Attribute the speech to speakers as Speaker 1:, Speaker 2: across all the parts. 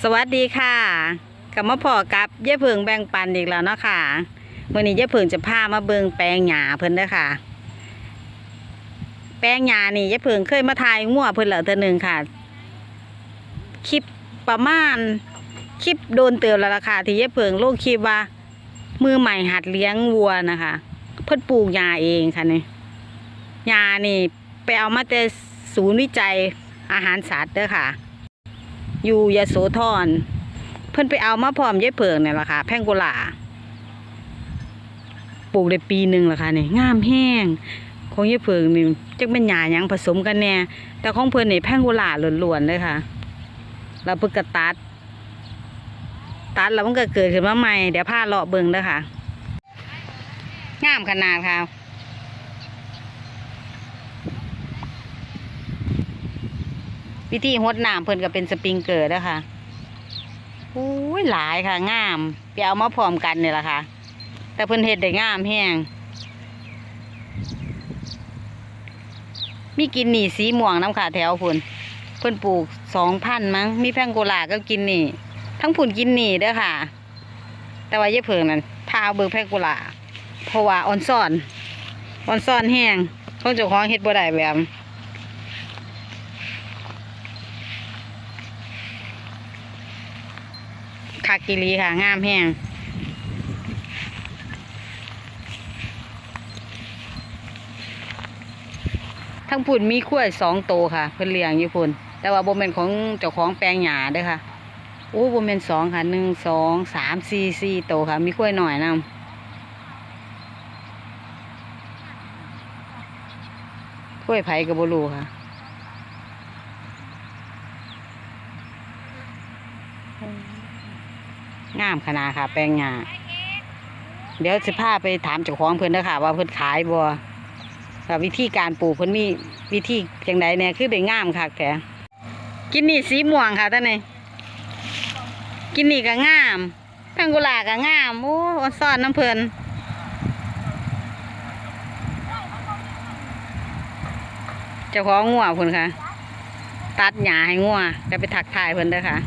Speaker 1: สวัสดีค่ะกลับมาพอกับยายเพิงแบ่งปันอีกแล้วเนาะค่ะวันนี้ยายเพิงจะพามาเบิงแปลงหญ้าเพิ่นเด้อค่ะแปลงหญ้านี่ยายเพิงเคยมาถ่ายงัวเพิ่นแล้วเทื่อนึงค่ะคลิปประมาณคลิปโดนเติมแล้วล่ะค่ะที่ยายเพิงลงคลิปว่ามือใหม่หัดเลี้ยงวัวนะคะเพิ่นปลูกหญ้าเองค่ะนี่หญ้านี่ไปเอามาแต่ศูนย์วิจัยอาหารสัตว์เด้อค่ะอยู่ยโสธรเพิ่นไปเอามาพร้อมยายเพิงเนี่ยล่ะค่ะแพงโกลาปลูกได้ปีหนึ่งล่ะค่ะนี่งามแห้งของยายเพิงนี่จักเป็นหญ้าหยังผสมกันแน่แต่ของเพิ่นนี่แพงโกลาล้วนๆเลยค่ะแล้วเพิ่นก็ตัดแล้วมันก็เกิดขึ้นมาใหม่เดี๋ยวพาเลาะเบิ่งเด้อค่ะงามขนาดค่ะวิธีรดน้ำเพิ่นก็เป็นสปริงเกอร์นะคะอุ้ยหลายค่ะงามไปเอามาพร้อมกันนี่แหละค่ะแต่เพิ่นเฮ็ดได้งามแห้งมีกินหนี่สีม่วงน้ำค่ะแถวเพิ่นปลูก2,000มั้งมีแพงโกลาก็กินหนี่ทั้งผุ่นกินหนี่เด้อค่ะแต่ว่ายายเพิงนั่นพาเบิ่งแพงโกลาเพราะว่าอ่อนซ่อนแห้งของเจ้าของเฮ็ดบ่ได้แบบคากิลีค่ะงามแห้งทั้งพุ่นมีขั้ว2 ตัวค่ะเพิ่นเลี้ยงอยู่พุ่นแต่ว่าบ่แม่นของเจ้าของแปลงหญ้าเด้อค่ะโอ้บ่แม่น2ค่ะ1 2 3 4 4 ตัวค่ะมีขั้วหน่อยนำขั้วไผก็บ่รู้ค่ะงามขนาดค่ะแปลงหญ้าเดี๋ยวสิพาไปถามเจ้าของเพิ่นเด้อค่ะว่าเพิ่นขายบ่ว่าวิธีการปลูกเพิ่นมีวิธีจังไดแน่คือได้งามคักแท้กินนี่สีม่วงค่ะท่านนี่กินนี่ก็งามแพงโกลาก็งามโอ้อ่อนซ่อนน้ำเพิ่นเจ้าของงัวเพิ่นค่ะตัดหญ้าให้งัวก็ไปทักทายเพิ่นเด้อค่ะ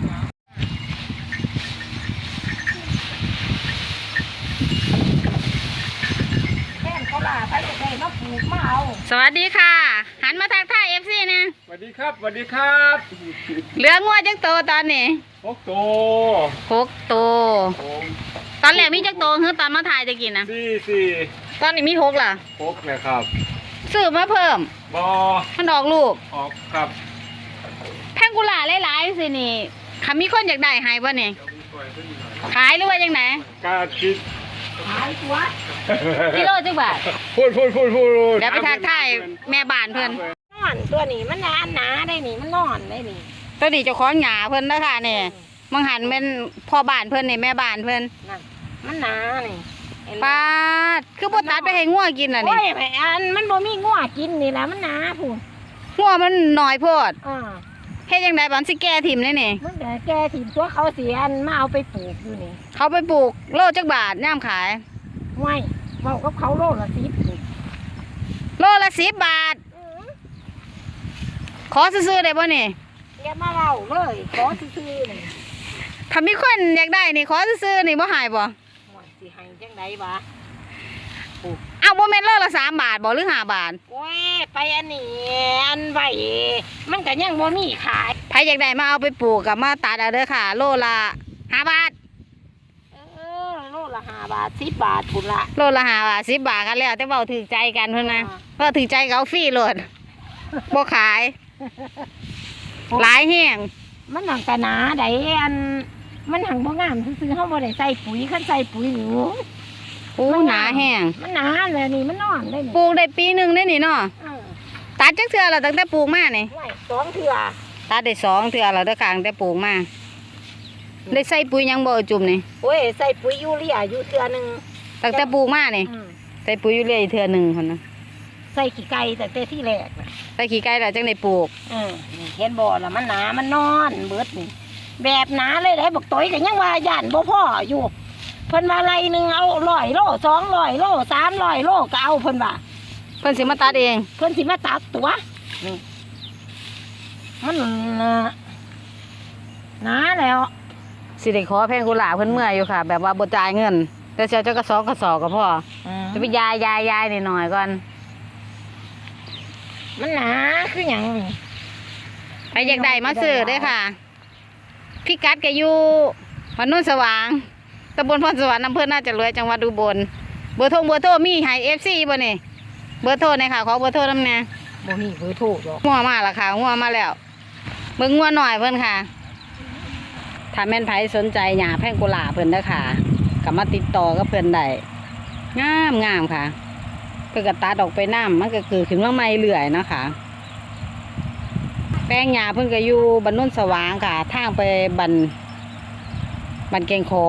Speaker 1: สวัสดีค่ะหันมาทักทายFC นะ
Speaker 2: สวัสดีครับสวัสดีครับ
Speaker 1: เหลืองัวจักโตตอนนี้
Speaker 2: 6 ตัว
Speaker 1: 6 ตัวตอนแรกมีจักโตคือตอนมาถ่ายจะกินนะ
Speaker 2: 4
Speaker 1: ตอนนี้มี6ล่ะ
Speaker 2: 6นะครับ
Speaker 1: ซื้อมาเพิ่มมันออกลูก
Speaker 2: ออกครับ
Speaker 1: แพงโกลาหลายๆสินี่ค่ะมีคนอยากได้ให้บ่นี่ขายหรือว่าจังไหน
Speaker 2: กาคิด
Speaker 1: ขายตัวกิโลจักบาท
Speaker 2: พูด
Speaker 1: เดี๋ยวไปทักทายแม่บ้านเพิ่น
Speaker 3: นอนตัวนี้มันหนาได้นี่มันนอนได้นี่
Speaker 1: ตัวนี้เจ้าของหญ้าเพิ่นนะคะนี่มังหันเป็นพ่อบ้านเพิ่นนี่แม่บ้านเพิ่น
Speaker 3: มันหนานี่
Speaker 1: ป้าคือบ่ตัดไปให้งัวกินน่ะนี่
Speaker 3: โอ้ยอันมันบ่มีงัวกินนี่แหละมันหนาพูน
Speaker 1: งัวมันน้อยโพดเฮ็ดจังได๋บัดสิแก่ถิ่มเลยนี่
Speaker 3: มันแก่ถิ่มตัวเขาเสียอันมาเอาไปปลูกอยู่นี่
Speaker 1: เขาไปปลูกโลจักบาทย่ามขาย
Speaker 3: ไม่เว้ากับเขาโลละ
Speaker 1: โลละ10 บาทขอซื้อๆได้บ่นี่
Speaker 3: อย่ามาเว้าเลยขอซื้อๆนี่
Speaker 1: ถ้ามีคนอยากได้นี่ขอซื้อๆนี่บ่หายบ่
Speaker 3: สิให้จังได๋วะ
Speaker 1: เอาบ่แม่นโลละ3 บาทบ่หรือ5 บาท
Speaker 3: โอ้ยไปอันนี้อันไว้มันก็ยังบ่มีขาย
Speaker 1: ใครอยากได้มาเอาไปปลูกกับมาตัดเอาเด้อค่ะโลละ5 บาท
Speaker 3: โลละ5 บาท10 บาทพุ่นละ
Speaker 1: โลละ5 บาท10 บาทกันแล้วแต่เว้าถือใจกันเพิ่นนะเว้าถือใจเขาฟรีโลดบ่ขายหลายแห้ง
Speaker 3: มันหนังกะหนาได้อันมันหังบ่งามซื้อเฮาบ่ได้ใส่ปุ๋ยคันใส่ปุ๋ยอยู่
Speaker 1: โอ้หนาแห้ง
Speaker 3: มันหนาเลยนี่มันนอนได้นี่
Speaker 1: ปลูกได้ปีนึงได้นี่เนาะตัดจักเทื่อแล้วตั้งแต่ปลูกมานี่
Speaker 3: 2 เทื่อ
Speaker 1: ตัดได้2 เทื่อแล้วเด้อค่ะตั้งแต่ปลูกมาได้ใส่ปุ๋ยยังบ่จุ่มนี่
Speaker 3: โอ้ยใส่ปุ๋ยยูเรียอยู่เทื่อนึง
Speaker 1: ตั้งแต่ปลูกมานี่ใส่ปุ๋ยยูเรียอีกเทื่อนึงพุ่นนะ
Speaker 3: ใส่ขี้ไก่แต่ที่แรก
Speaker 1: ใส่ขี้ไก่แล้วจังได้ปลูก
Speaker 3: เห็นบ่ล่ะมันหนามันนอนเบิดนี่แบบหนาเลยได้บักต้อยก็ยังว่าย่านบ่พออยู่เพิ่นว่าไรนึงเอา100 โล200 โล300 โลก็เอาเพิ่นว่า
Speaker 1: เพิ่นสิมาตัดเอง
Speaker 3: เพิ่นสิมาตัดตัวนี่มันหนาแล้ว
Speaker 1: สิได้ขอแพงกุหลาบเพิ่นเมื่อยอยู่ค่ะ แบบว่าบ่จ่ายเงิน แต่เจ้ากระสอบก็พอจะไปยายนิดหน่อยก่อน
Speaker 3: มันหนาคือหยัง
Speaker 1: ใครอยากได้มาซื้อเด้อค่ะพี่กัดก็อยู่วัดโนุ่นสว่างตำบลพรสวรรค์อำเภอน่าจะรวยจังหวัดอุบลเบอร์โทรมีให้ FC บ่นี่เบอร์โทรเนี่ยค่ะขอเบอร์โทรนำแน่
Speaker 3: บ่มีเบอร์โทรหรอก
Speaker 1: งัวมาแล้วค่ะงัวมาแล้วเบิ่งงัวหน่อยเพิ่นค่ะถ้าแม่นไผสนใจหญ้าแพงกุหลาบเพิ่นเด้อค่ะก็มาติดต่อกับเพิ่นได้งามค่ะเพิ่นก็ตัดออกไปน้ำมันก็เกิดขึ้นมาใหม่เรื่อยเนาะค่ะแป้งหญ้าเพิ่นก็อยู่บ้านโนุ่นสว่างค่ะทางไปบ้านแกงขอ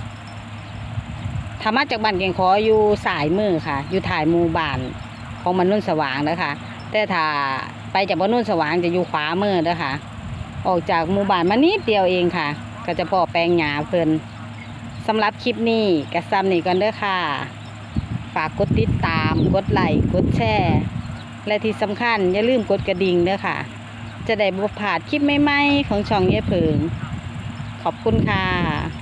Speaker 1: ถ้ามาจากบ้านแกงขออยู่สายมือค่ะ อยู่ถ่ายหมู่บ้านของบ้านโนุ่นสว่างเด้อค่ะแต่ถ้าไปจากบ้านโนุ่นสว่างจะอยู่ขวามือเด้อค่ะ ออกจากหมู่บ้านมานิดเดียวเองค่ะ ก็จะพอแปลงหญ้าเพิ่นสำหรับคลิปนี้ก็ซ้ำนี่ก่อนเด้อค่ะ ฝากกดติดตามกดไลค์กดแชร์และที่สำคัญอย่าลืมกดกระดิ่งเด้อค่ะ จะได้บ่พลาดคลิปใหม่ๆของช่องเย่เพิงขอบคุณค่ะ